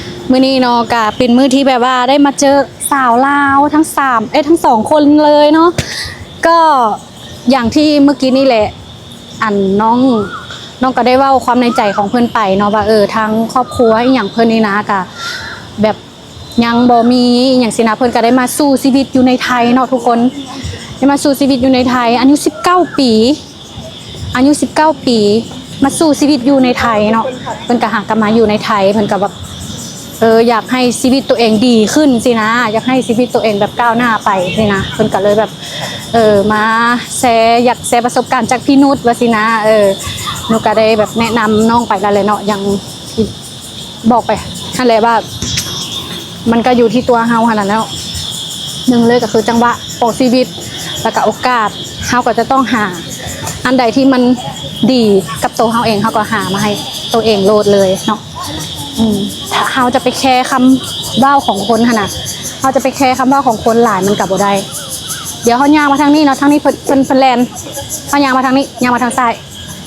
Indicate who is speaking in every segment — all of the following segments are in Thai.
Speaker 1: มื้อนี้เนาะก็เป็นมื้อที่แบบว่าได้มาเจอสาวลาวทั้งทั้งสองคนเลยเนาะก็อย่างที่เมื่อกี้นี่แหละอันน้องก็ได้เว้าความในใจของเพื่อนไปเนาะว่าทั้งครอบครัวอีหยังเพิ่นนี่นะก็แบบยังบ่มีอหย่างสินะเพิ่นก็ได้มาสู้ชีวิตอยู่ในไทยเนาะทุกคนได้มาสู้ชีวิตอยู่ในไทยอายุ19ปีอายุ19ปีมาสู้ชีวิตอยู่ในไทยเนาะเพิ่นก็หากลับมาอยู่ในไทยเพิ่นก็แบบอยากให้ชีวิตตัวเองดีขึ้นสินะอยากให้ชีวิตตัวเองแบบก้าวหน้าไปสินะเพิ่นก็เลยแบบมาอยากแชร์ประสบการณ์จากพี่นุชว่าสินะหนูก็ได้แบบแนะนำน้องไปแล้วเลยเนาะยังบอกไปนั่นแหละว่ามันก็อยู่ที่ตัวเฮาขนาดแล้วหนึ่งเลยก็คือจังหวะของชีวิตแล้วก็โอกาสเฮาก็จะต้องหาอันใดที่มันดีกับตัวเฮาเองเฮาก็หามาให้ตัวเองโลดเลยเนาะถ้าเฮาจะไปแคร์คำเว้าของคนขนาดเฮาจะไปแคร์คำเว้าของคนหลายมันกลับบ่ได้เดี๋ยวเฮาย่างมาทางนี้เนาะทางนี้เพิ่นแลนเฮาย่างมาทางนี้ย่างมาทางซ้าย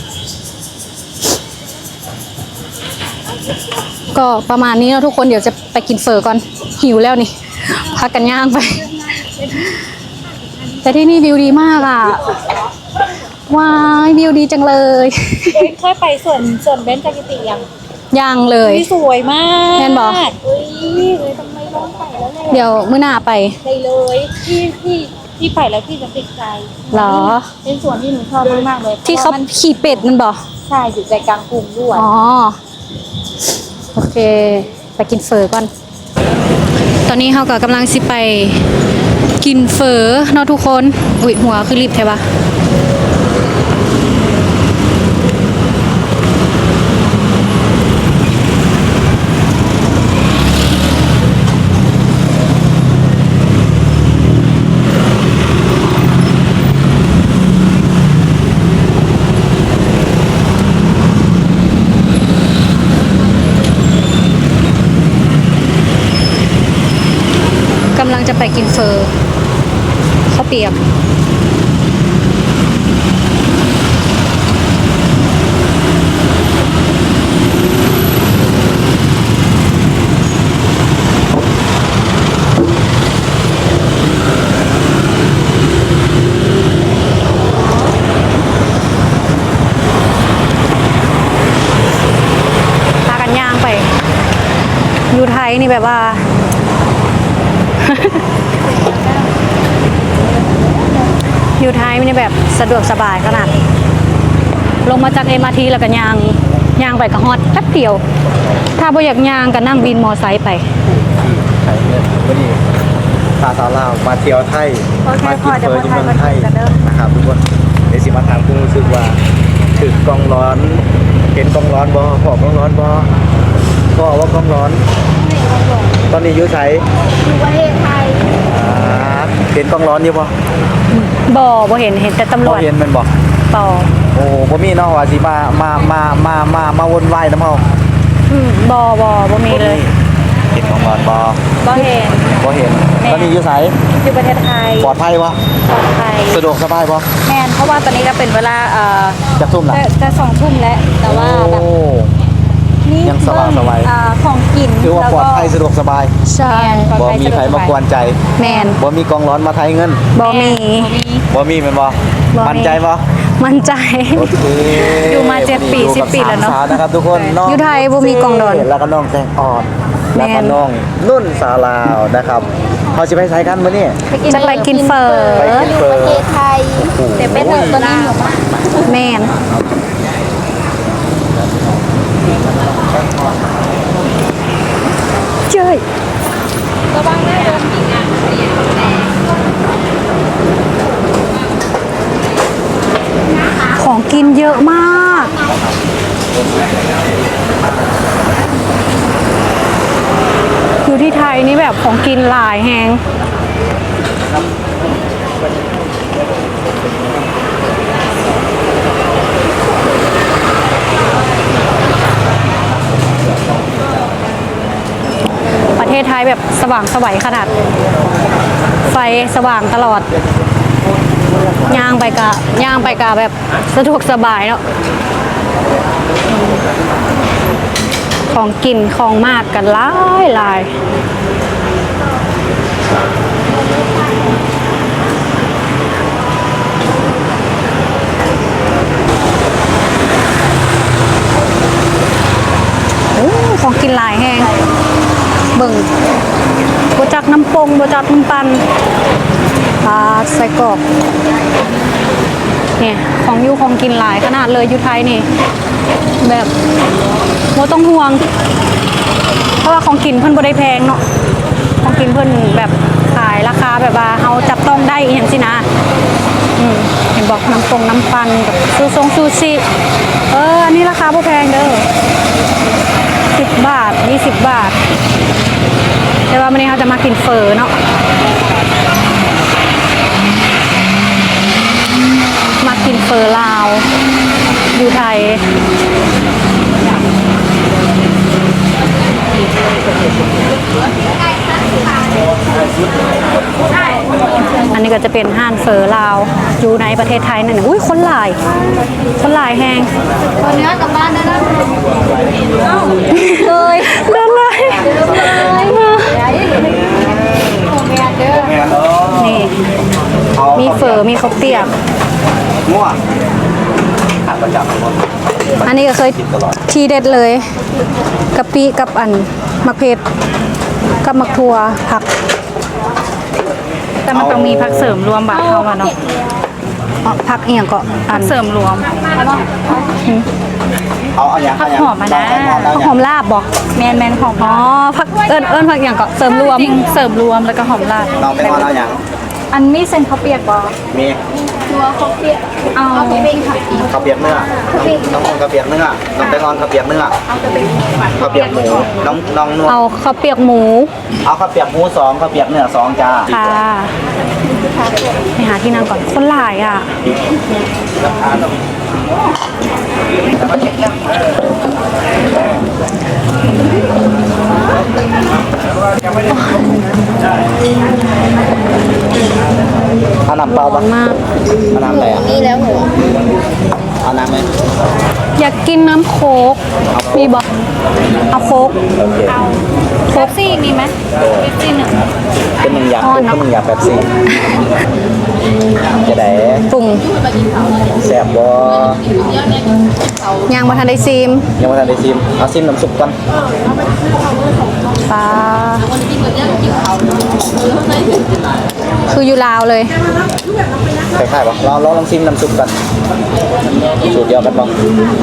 Speaker 1: ก็ประมาณนี้เนาะทุกคนเดี๋ยวจะไปกินเฟอก่อนหิวแล้วนี่พักกันย่างไปแต่ที่นี่วิวดีมากอ่ะว้ายวิวดีจังเลย
Speaker 2: เคยไปส่วนเบนจากิติ
Speaker 1: ยังเลย
Speaker 2: สวยมาก
Speaker 1: แม่นบอก
Speaker 2: เลยทำไมต้องไปแล้วเลย
Speaker 1: เดี๋ยวมื้อหน้าไป
Speaker 2: เลยที่ไปแล้วพี่จะติดใจ
Speaker 1: หรอ
Speaker 2: เป็นส่วนที่หนูชอบมากเลย
Speaker 1: ที่เขาขี่เป็ดมันบอก
Speaker 2: ใช่อยู่ใจกลางกรุงด้วย
Speaker 1: อ๋อโอเคไปกินเฟอก่อนตอนนี้เขาก็กำลังสิไปกินเฟอเนาะทุกคนอุ๊ยหัวคือรีบใช่ปะกำลังจะไปกินเฟอข้าวเปียกพากันย่างไปอยู่ไทยนี่แบบว่าอยู่ไทยไม่ได้แบบสะดวกสบายขนาดลงมาจากMRTแล้วก็ย่างไปกับฮอดแป๊บเดียวถ้าบ่อยากย่างก็นั่งวินมอไซค์ไป
Speaker 3: ไทยเนี่ยวันนี้พาสาวลาวมาเที่ยวไทยมากินเฟอร์ที่เมืองไทยนะครับทุกคนเดี๋ยวสิมาถามคุณรู้สึกว่าถึงกองร้อนเห็นกองร้อนบ่พอกองร้อนบ่พ่อว่ากองร้อนตอนนี้อยู่ไส
Speaker 2: อยู่ประเทศไทย
Speaker 3: เห็นกองร้อนอยู่บ่
Speaker 1: เห็นแต่ตำรวจ
Speaker 3: เห็นมันบ่
Speaker 1: ต่อ
Speaker 3: โอ้บ่มีเนาะว่าสิมาวนวายน้ำเฮา
Speaker 1: บ่มีเลย
Speaker 3: เห็นกองร้อน
Speaker 1: บ่เห็น
Speaker 3: ตอนนี้อยู่ไส
Speaker 1: อยู่ประเทศไทย
Speaker 3: ปลอดภัยบ่
Speaker 1: ปลอดภัย
Speaker 3: สะดวกสบายบ่
Speaker 1: แม่นเพราะว่าตอนนี้ก็เป็นเวลา
Speaker 3: จะทุ่มละ
Speaker 1: จะ2 ทุ่มแล้วแต่ว่าแบบ
Speaker 3: นี่ยังสว่างสบาย
Speaker 1: ของกิน
Speaker 3: คือว่าปลอดภัยสะดวกสบาย
Speaker 1: ใช่
Speaker 3: บ่มีใครมากวนใจ
Speaker 1: แม่น
Speaker 3: บ่มีกองร้อนมาไทยเงิน
Speaker 1: บ่มี
Speaker 3: แม่นบ่มั่นใจบ่
Speaker 1: มั่นใจ
Speaker 3: โอเค
Speaker 1: อยู่มา7 ปี10 ปีแล้วเนาะ
Speaker 3: นะครับทุกคนน้อง
Speaker 1: อยู่ไทยบ่มีกองร้อน
Speaker 3: แล้วก็น้องแตงอ่อนแล้วก็น้องนุ่นสาลาวนะครับเขาจะไปไสกันมื้อนี้
Speaker 1: จะไปกินเฟอ
Speaker 2: อยู่ประเทศไทยแต่เป็นตอนนี้อยู่
Speaker 1: แม่นเจ้ย
Speaker 2: ระวังนะโดน
Speaker 1: ของกินเยอะมากอยู่ที่ไทยนี่แบบของกินหลายแฮงประเทศไทยแบบสว่างไสวขนาดไฟสว่างตลอดย่างไปกะแบบสะดวกสบายเนาะขของกินของมากกันหลายของกินหลายแห้งเบิ่งบจักน้ำปงบจักน้ำปันปลาใส่กรอบเนี่ยของกินหลายขนาดเลยอยู่ไทยนี่แบบโมต้องห่วงเพราะว่าของกินเพิ่นบ่ได้แพงเนาะของกินเพิ่นแบบขายราคาแบบว่าเฮาจับต้องได้อีหยังสินะเห็นบอกน้ำปันกับซูชิอันนี้ราคาบ่แพงเด้อ10 บาท20 บาทแต่ว่าวันนี้เราจะมากินเฟอเนาะมากินเฟอลาวอยู่ไทยอันนี้ก็จะเป็นห้านเฟอลาวอยู่ในประเทศไทยนั่นอุ้ยคนหลายแหง
Speaker 2: ตัวเนื้อกลับบ้านได้แล้ว
Speaker 1: เลยเดินเลยนี่มีเฟอมีข้าวเปียก
Speaker 3: มั่วขาดประจำ
Speaker 1: อันนี้ก็เคยทีเด็ดเลยกะปิกับอันมะเขือกับมะทั่วผัก
Speaker 4: แต่มันต้องมีผักเสริมรวมบาทเข้ามาเนาะ
Speaker 1: ผักเอียงก็อัน
Speaker 4: เสริมรวม
Speaker 3: เอาอย่างผัก
Speaker 4: หอมมานะ
Speaker 1: หอมลาบบ่
Speaker 4: แมนหอม
Speaker 1: ผักเอิญผักอย่างก็เสริมรวม
Speaker 4: เสริมรวมแล้วก็หอมลาบ
Speaker 3: น้องเป็นเอาอย่าง
Speaker 1: อันมีเส้นข้าวเปียกบ่
Speaker 3: มี
Speaker 2: ตัวข้าวเปียกเอาเป็นข้าวเปียก
Speaker 3: ข้าวเปียกเนื้อน้องข้าวเปียกเนื้อน้องเป็นข้าวเปียกเนื้อข้าวเปียกหมูน้องนวล
Speaker 1: เอาข้าวเปียกหมู
Speaker 3: เอาข้าวเปียกหมู2ข้าวเปียกเนื้อ2จ้า
Speaker 1: ค่ะไปหาที่นั่งก่อนคนหลายอ่ะ
Speaker 3: เอาน้ำเปล่าบ้างเอาน้ำอะไรอ่ะ
Speaker 2: นี่แล้วหนู
Speaker 3: เอาน้ำไหม
Speaker 1: อยากกินน้ำโค้กมีบ่เอาโค้ก
Speaker 4: เอาโค้กซี่มีไหมเป๊ปซี่1
Speaker 3: เป็น1 อย่างเป็น1 อย่างแบบซี่จะได้
Speaker 1: ปรุง
Speaker 3: แซ่บบ่
Speaker 1: ยังมาทันได้ซิม
Speaker 3: ยังไม่ทันได้ซิมเอาซิมน้ำซุปก่อน
Speaker 1: ปลาคืออยู่ลาวเลย
Speaker 3: คล้ายๆป่ะลองซิมน้ำซุปกันสูตรเดียวกันบ้าง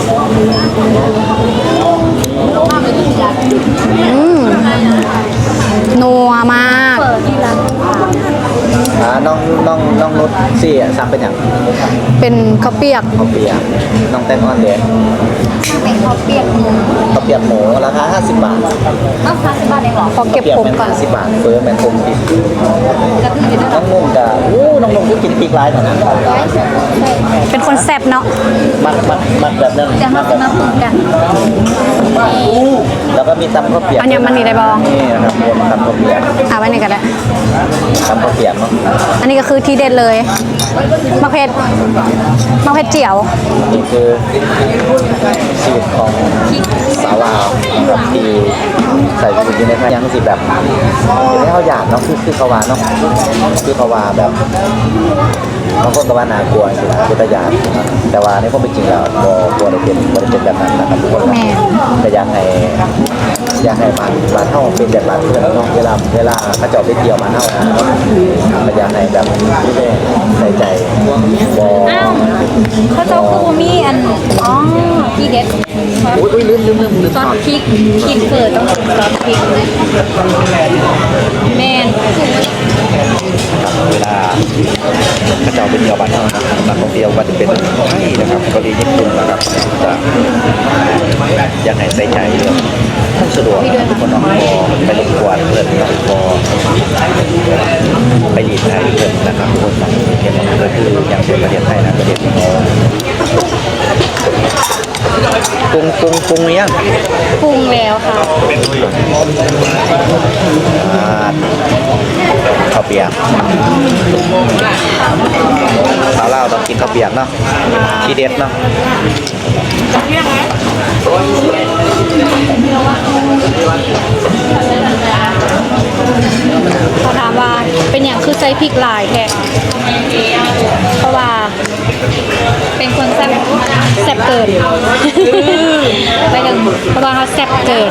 Speaker 1: นัวมาก
Speaker 3: น้องนุชสี่สั่งเป็นอย่าง
Speaker 1: เป็นข้าวเปียก
Speaker 3: น้องแตงอ่อนเด็ก
Speaker 2: เป็นข้าวเปียกหมู
Speaker 3: ราคา50 บาท
Speaker 2: ต้อง50 บาทเองเหรอ
Speaker 1: พอเก็บผมก่อน
Speaker 3: 50 บาทเฟิร์มแมนคมติดน้องนุ่มจะน้องนุ่มก็กินพริกลายหน่อยนะ
Speaker 1: เป็นคนแซ่บเนาะ
Speaker 3: มัดแบบนั้น
Speaker 2: จะมาปรุงกัน
Speaker 3: แล้วก็มีตำข้าวเปียก
Speaker 1: อันนี้มันนี่ได้บ้าง
Speaker 3: นี่นะครับรวมตำข้าวเปียก
Speaker 1: ไว้นี่กันแหละ
Speaker 3: ตำข้าวเปียกเนาะ
Speaker 1: อันนี้ก็คือทีเด็ดเลยมะเขือเจียว
Speaker 3: นี่คือสูตรของสาวลาวนะครับที่ใส่อยู่ในยังสิแบบอยู่ในข้าวหยาดเนาะคือเขาว่าเนาะคือเขาว่าแบบบางคนก็ว่าน่ากลัวจริงๆคือตะยานแต่ว่าในความเป็นจริงแล้วบ่ได้เป็นแบบนั้นนะครับทุกคนแต่อยากให้มาเท่าเป็นแบบนั้นเพื่อนน้องเวลาเขาเจาะไปเที่ยวมาเท่านะก็อยากให้แบบใส่ใจ
Speaker 4: อ้าวเขาเจ้าคือมีอันที่เด็ด
Speaker 3: อุ้ยลืม
Speaker 4: ซอสพริกกินเปิดต้องซอสพริกแมน
Speaker 3: เวลาเขาเจาะไปเที่ยวบ้านเท่านะนักท่องเที่ยวว่าจะเป็นไทยนะครับเกาหลีญี่ปุ่นนะครับจะอยากให้ใส่ใจเรื่องสะดวกทุกคนน้องไปรบกวนเพื่อนน้องไปรีดไทยเพื่อนนะครับทุกคนน้องเห็นก็คืออย่างเป็นประเทศไทยนะประเทศที่เขาปรุงยัง
Speaker 4: ปรุงแล้วค่ะ
Speaker 3: ข้าวเปียกสาวลาวต้องกินข้าวเปียกเนาะที่เด็ดเนาะ
Speaker 1: เขาถามว่าเป็นอย่างคือใส่พริกหลายแท้เพราะว่าเป็นคนแซ่บเกิน ไปถึงเพราะว่าเขาแซ่บเกิน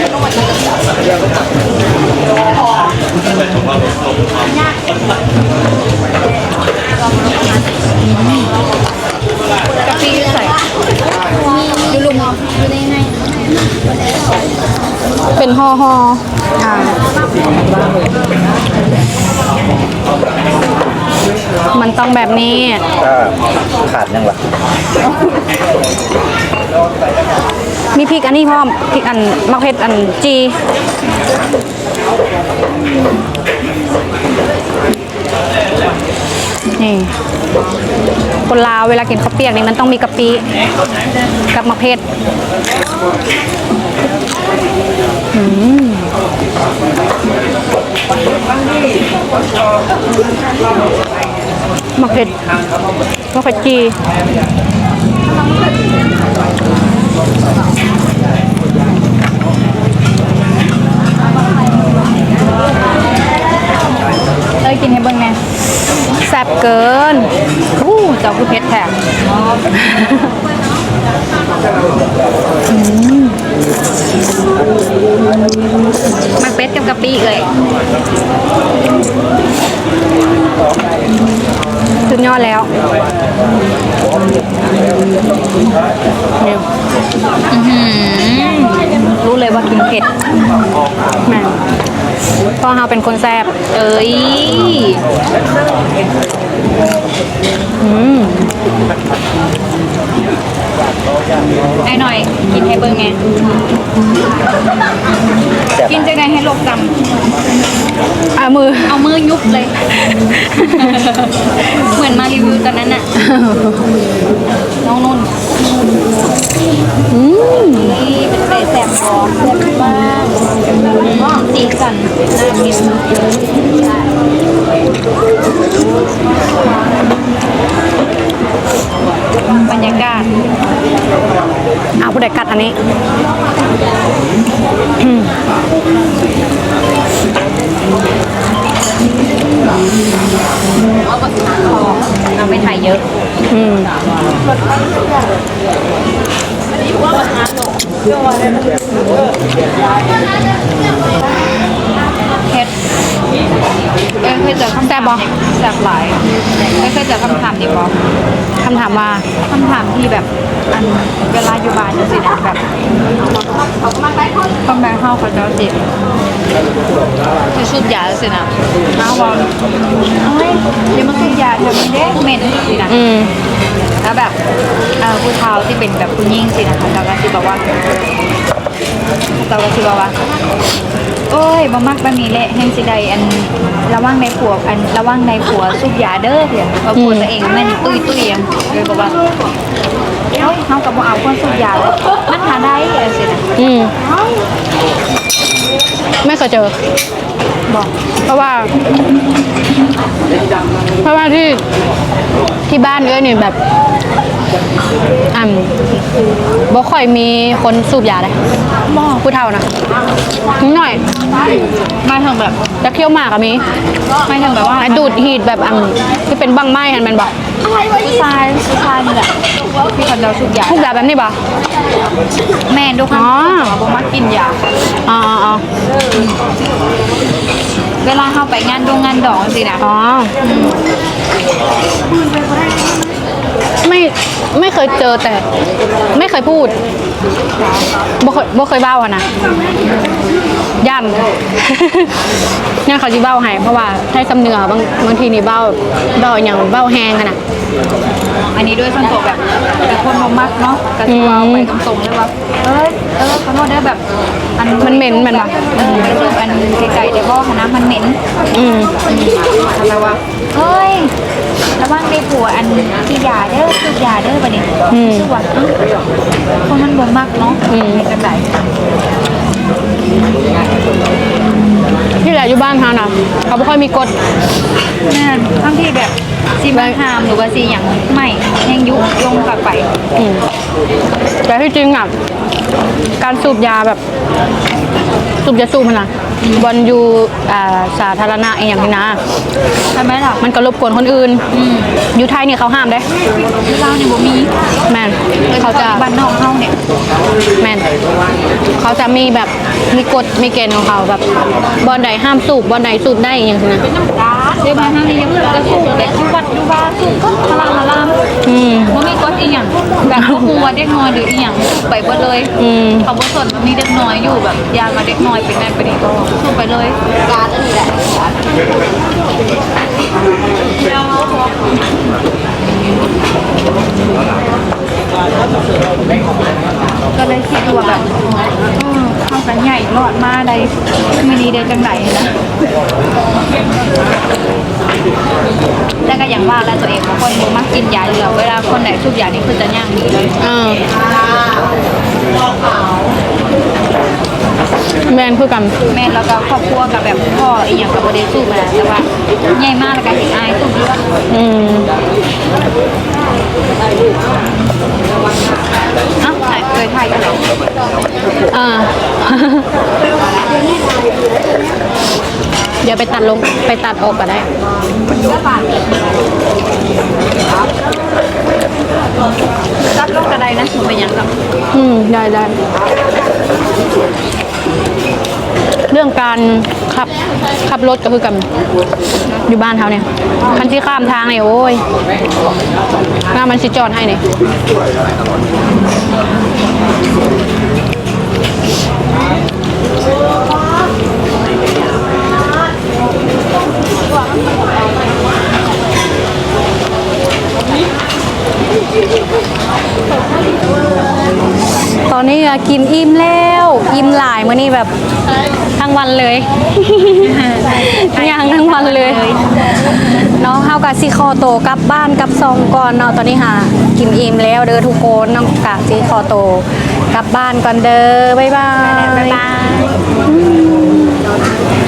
Speaker 1: กะปิใส่ยูลุม
Speaker 2: อยู่ในใน
Speaker 1: เป็นห่อมันต้องแบบนี้
Speaker 3: ก็ขาดยังวะ
Speaker 1: มีพริกอันนี้พร้อมพริกอันมะเขืออันจีนี่คนลาวเวลากินข้าวเปียกนี่มันต้องมีกะปิกับมะเขือมะเขือจีเลยกินให้เบิ่งแน่แซ่บเกินเจ้าคือเพชรแท้มันเป็ดกับกะปิเลยสุดยอดแล้วนี่รู้เลยว่ากินเผ็ดแม่เพราะเราเป็นคนแซ่บเอ้ยไอ้หน่อยกินให้เบิ่งไงกินจะไงให้โลกจำเอามือยุบเลย เหมือนมารีวิวตอนนั้นน่ะ น้องนุ่นนี่เป็นเป็ดแซ่บหอมแซ่บมากสีสันน่ากินบรรยากาศผู้ใดกัดอันนี้เราไม่ถ่ายเยอะเฮ็ดเคยเจอคำแซ่บบ่แซ่บหลายเคยเจอคำถามนี้บ่คำถามว่าคำถามที่แบบอันเวลาอยู่บ้านจังซี่นะแบบคนแบงเฮาเขาจะสิที่สุดยาจังซี่นะเฮาว่าเอ้ยเดี๋ยวมันสุดยาแถวนี้เด้เหม็นสินะแล้วแบบผู้เฒ่าที่เป็นแบบผู้หญิงสินะคะเขาก็สิบอกว่าโอ้ยบ่มักบะหมี่เละแห่งสิใดอันระวังในผัวสุกยาเด้อเพียว่าผัวตัวเองแม่นตุ้ยเลยบอกว่าเอ้ยเฮาก็บ่เอาคนสุกยาแล้วมันหาได้สินะไม่เคยเจอบอกเพราะว่าที่บ้านเอ้ยนี่แบบบ่ค่อยมีคนสูบยาเลยผู้เฒ่านะนิดหน่อยไม่ถึงแบบจะเคี้ยวหมากอะมีไม่ถึงแบบว่าดูดหีดแบบที่เป็นบังไม้มันบอกผู้ชายนี่แหละที่คนเราสูบยาแบบนี้ป่ะแม่ดูค่ะบ่มักกินยาเวลาเข้าไปงานดองสินะไม่เคยเจอแต่ไม่เคยพูดบ่เคยเบ้าอะนะย่านเนี่ยเขาจะเบ้าให้เพราะว่าให้สำเนือบางทีนี่เบ้าอย่างเบ้าแห้งขนาดอันนี้ด้วยส่วนตัวแบบแต่คนบ่มักเนาะก็สิว่าไปตรงๆเลยว่าขอโทษเด้อแบบมันเหม็นมันว่ะไปสูบอันไกลๆแต่บ่คณะมันเหม็นแล้วว่าเฮ้ยระวังในผัวอันที่ยาเด้อสูบยาเด้อบัดนี้ชื่อว่าคนมันบ่มักเนาะเป็นจังได๋ที่แหละอยู่บ้านเขานะเขาไม่ค่อยมีกฎนั่นทั้งที่แบบซีบังฮามหรือว่าซีอย่างไม่ยังยุลงกลับไปแต่ที่จริงอ่ะการสูบยาแบบสูบยาสูบมันนะบอลอยู่สาธารณะอย่างนี้นะ
Speaker 4: ใช่ไหมล่ะ
Speaker 1: มันก็รบกวนคนอื่นอยู่ไทยเนี่ยเขาห้ามได้
Speaker 4: ที่เราเนี่ยบ่มี
Speaker 1: แมนเขาจะ
Speaker 4: บ้านนอกเฮาเนี่ย
Speaker 1: แมนเขาจะมีแบบมีกฎมีเกณฑ์ของเขาแบบบอลใดห้ามสูบบอลใดสูบได้อย่างนี้นะ
Speaker 4: เดี๋ยวบ้านเฮานี่ยังเหลือจะสูบแต่อยู่วัดอยู่บ้านสูบก็พลาละลามบ่มีกฎอีหยังแบบบ่ฮู้ว่าเด็กน้อยหรืออีหยังสูบไปเบิดเลยเขาบ่สนว่ามีเด็กน้อยอยู่แบบยามาเด็กน้อยเป็นนั่นเป็นนี่ก็สูบไปเลย
Speaker 2: การอันนี้แหละ
Speaker 4: ก็เลยคิดว่าแบบเข้ากันใหญ่รอดมาได้มินีได้จังไหนนะแต่ก็อย่างว่าแล้วตัวเองบางคนบ่มักกินยาเหลือเวลาคนไหนสูบยานี่คือจะย่างดีเลย
Speaker 1: แมนคือกัน
Speaker 4: แม่แล้วก็ครอบครัวกับแบบพ่ออีหยังกับบ่ได้สู้มาแต่ว่าใหญ่มากแล้วก็เห็นอายสู้ดีว่าเอ้าถ่ายเคยถ่ายกันเหรอ
Speaker 1: เดี๋ยวไปตัดลงไปตัดออกก็ได้
Speaker 4: รับรถกระไดนะถึงเป็นหยังกับ
Speaker 1: ได้ได้ เรื่องการขับรถก็คือกันอยู่บ้านเขาเนี่ยคันที่ข้ามทางเนี่ยโอ้ยหน้ามันสิจอดให้เนี่ยตอนนี้กินอิ่มแล้วอิ่มหลายมื้อนี้แบบทั้งวันเลย ย่างทั้งวันเลยน้องเฮากะสิคอโตกลับบ้านกลับซองก่อนเนาะตอนนี้หากินอิ่มแล้วเด้อทุกคนน้องกะสิคอโตกลับบ้านก่อนเด้อบ๊ายบาย
Speaker 4: บ๊ายบาย